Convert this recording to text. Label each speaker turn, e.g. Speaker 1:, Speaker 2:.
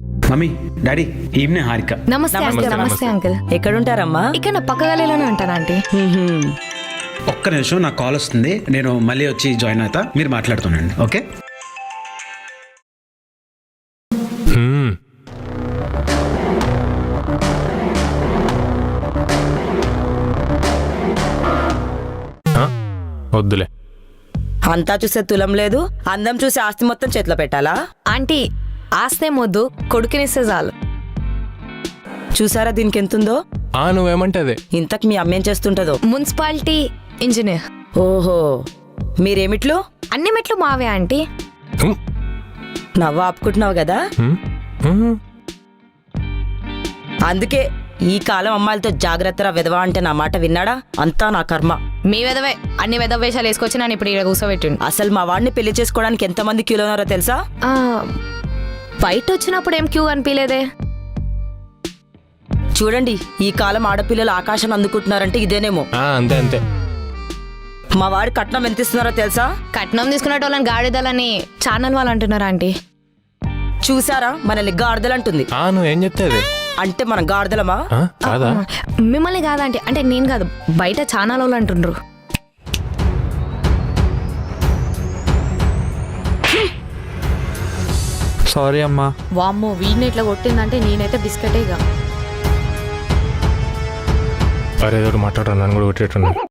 Speaker 1: Mummy daddy evening Harika.
Speaker 2: నమస్తే uncle. నమస్తే uncle.
Speaker 3: ఎక్కడుంటారమ్మా?
Speaker 2: ఇక్కడ నా పక్క గలీలోనే ఉంటాను ఆంటీ.
Speaker 1: ఒక్క నిమిషం, నాకు కాల్ వస్తుంది, నేను మళ్ళీ వచ్చి జాయిన్ అవుతా, మీరు మాట్లాడుతుండండి. ఓకే?
Speaker 4: వద్దులే.
Speaker 3: అంతా చూసే తులం లేదు, అందం చూసి ఆస్తి మొత్తం చేతిలో పెట్టాలా?
Speaker 2: ఆంటీ ఆస్తేం వద్దు, కొడుకునిస్తే చాలు.
Speaker 3: చూసారా దీనికి ఎంతుందో?
Speaker 4: నువ్వేమంటే అదే.
Speaker 3: ఇంతకు మీ అమ్మేం చేస్తుంటదో?
Speaker 2: Municipality engineer.
Speaker 3: ఓహో, మీరేమిట్లు?
Speaker 2: అన్ని మెట్లు మావే ఆంటీ.
Speaker 3: నవ్వు ఆపుకుంటున్నావు కదా. అందుకే ఈ కాలం అమ్మాయిలతో జాగ్రత్తరా విధవా అంటే నా మాట విన్నాడా? అంతా నా కర్మ.
Speaker 2: మీ వెదవే అన్ని వెదవ వేషాలు వేసుకొచ్చి నన్ను ఇప్పుడు ఇక్కడ కూర్చోబెట్టిండు.
Speaker 3: అసలు మా వాడిని పెళ్లి చేసుకోవడానికి ఎంతమంది క్యూలో ఉన్నారో తెలుసా?
Speaker 2: బయట వచ్చినప్పుడు ఏం క్యూ అనిపించలేదే.
Speaker 3: చూడండి, ఈ కాలం ఆడపిల్లలు ఆకాశాన్ని అందుకుంటున్నారంటే ఇదేనేమో.
Speaker 4: అంతే అంతే.
Speaker 3: మా వాడి కట్నం ఎంత ఇస్తున్నారో తెలుసా?
Speaker 2: కట్నం తీసుకునే వాళ్ళని గాడిదలని ఛానల్ వాళ్ళు అంటున్నారు ఆంటీ.
Speaker 3: చూసారా, మనల్ని గాడిదలంటుంది.
Speaker 4: నువ్వేం చెప్తే అదే.
Speaker 3: అంటే మనం గాడిదలమా?
Speaker 4: కాదా?
Speaker 2: మిమ్మల్ని కాదంటే, అంటే నేను కాదు, బయట ఛానల్ వాళ్ళు అంటుండ్రు.
Speaker 5: సారీ అమ్మా.
Speaker 2: వామ్మో, వీడిని ఇట్లా కొట్టిందంటే నేనైతే బిస్కెటేగా.
Speaker 4: అరే ఏదో మాట్లాడరా, నన్ను కూడా కొట్టేట్టున్నా.